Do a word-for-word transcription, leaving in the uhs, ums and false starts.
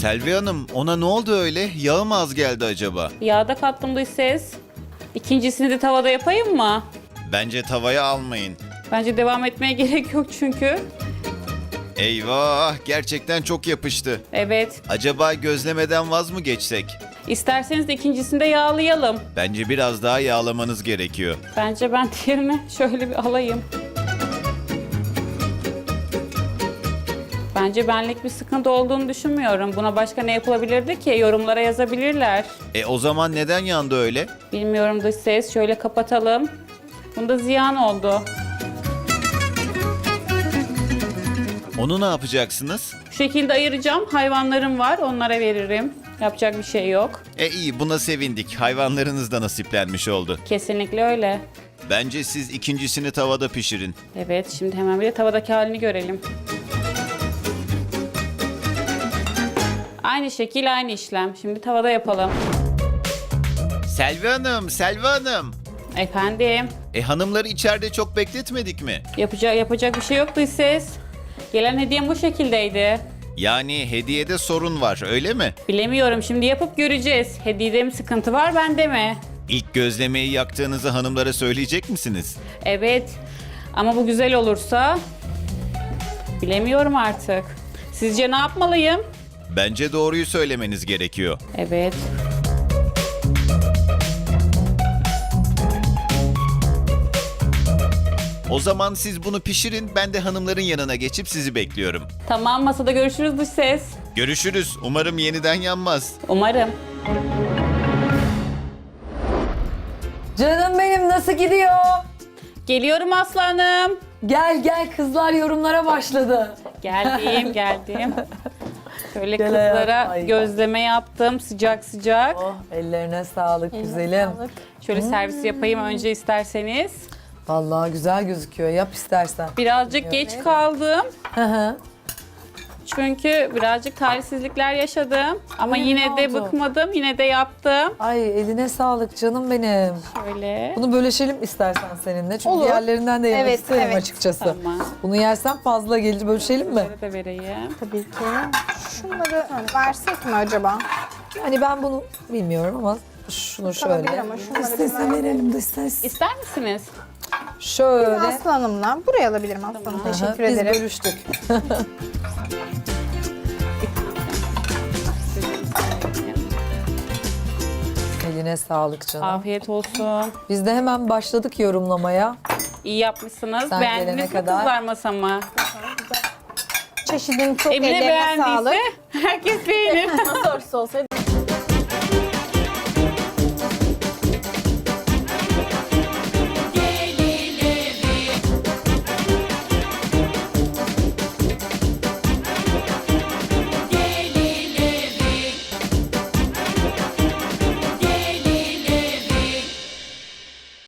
Selvi Hanım, ona ne oldu öyle? Yağı mı az geldi acaba? Yağda kattım dış ses. İkincisini de tavada yapayım mı? Bence tavaya almayın. Bence devam etmeye gerek yok çünkü. Eyvah, gerçekten çok yapıştı. Evet. Acaba gözlemeden vaz mı geçsek? İsterseniz de ikincisini de yağlayalım. Bence biraz daha yağlamanız gerekiyor. Bence ben diğerini şöyle bir alayım. Bence benlik bir sıkıntı olduğunu düşünmüyorum. Buna başka ne yapılabilirdi ki? Yorumlara yazabilirler. E o zaman neden yandı öyle? Bilmiyorum dış ses. Şöyle kapatalım. Bunda ziyan oldu. Onu ne yapacaksınız? Bu şekilde ayıracağım. Hayvanlarım var. Onlara veririm. Yapacak bir şey yok. E iyi, buna sevindik. Hayvanlarınız da nasiplenmiş oldu. Kesinlikle öyle. Bence siz ikincisini tavada pişirin. Evet, şimdi hemen bir de tavadaki halini görelim. Aynı şekil, aynı işlem. Şimdi tavada yapalım. Selvi Hanım, Selvi Hanım. Efendim, E hanımları içeride çok bekletmedik mi? yapacak yapacak bir şey yok dış ses. Gelen hediyem bu şekildeydi. Yani hediyede sorun var, öyle mi? Bilemiyorum, şimdi yapıp göreceğiz. Hediyede mi sıkıntı var, bende mi? İlk gözlemeyi yaktığınızı hanımlara söyleyecek misiniz? Evet, ama bu güzel olursa... Bilemiyorum artık. Sizce ne yapmalıyım? Bence doğruyu söylemeniz gerekiyor. Evet. O zaman siz bunu pişirin, ben de hanımların yanına geçip sizi bekliyorum. Tamam, masada görüşürüz dış ses. Görüşürüz. Umarım yeniden yanmaz. Umarım. Canım benim, nasıl gidiyor? Geliyorum aslanım. Gel gel, kızlar yorumlara başladı. Geldim, geldim. Şöyle Gel kızlara hayatım, ay. gözleme yaptım sıcak sıcak. Oh, ellerine sağlık güzelim. Şöyle servis yapayım önce isterseniz. Vallahi güzel gözüküyor, yap istersen. Birazcık geç kaldım. Hı hı. Çünkü birazcık talihsizlikler yaşadım. Ama Ay, yine ne de oldu? bıkmadım, yine de yaptım. Ay, eline sağlık canım benim. Şöyle. Bunu böleşelim istersen seninle. Çünkü Olur. diğerlerinden de yemek Evet, isterim evet. açıkçası. Tamam. Bunu yersen fazla gelir, bölüşelim mi? Şöyle de vereyim. Tabii ki. Şunları versek mi acaba? Yani ben bunu bilmiyorum ama şunu Olabilir şöyle. ama şunları Dış bir sese verelim, dış ses. İster misiniz? Şöyle. Aslı Hanım'la. Buraya alabilirim Aslı Hanım. Tamam. Teşekkür Aha, biz ederim. bölüştük. Eline sağlık canım. Afiyet olsun. Biz de hemen başladık yorumlamaya. İyi yapmışsınız. Sen Beğendiniz gelene mi kadar. kızlar masamı? Çeşidin çok Emine ellerine sağlık. beğendiyse herkes beğenir. Nasıl olsaydı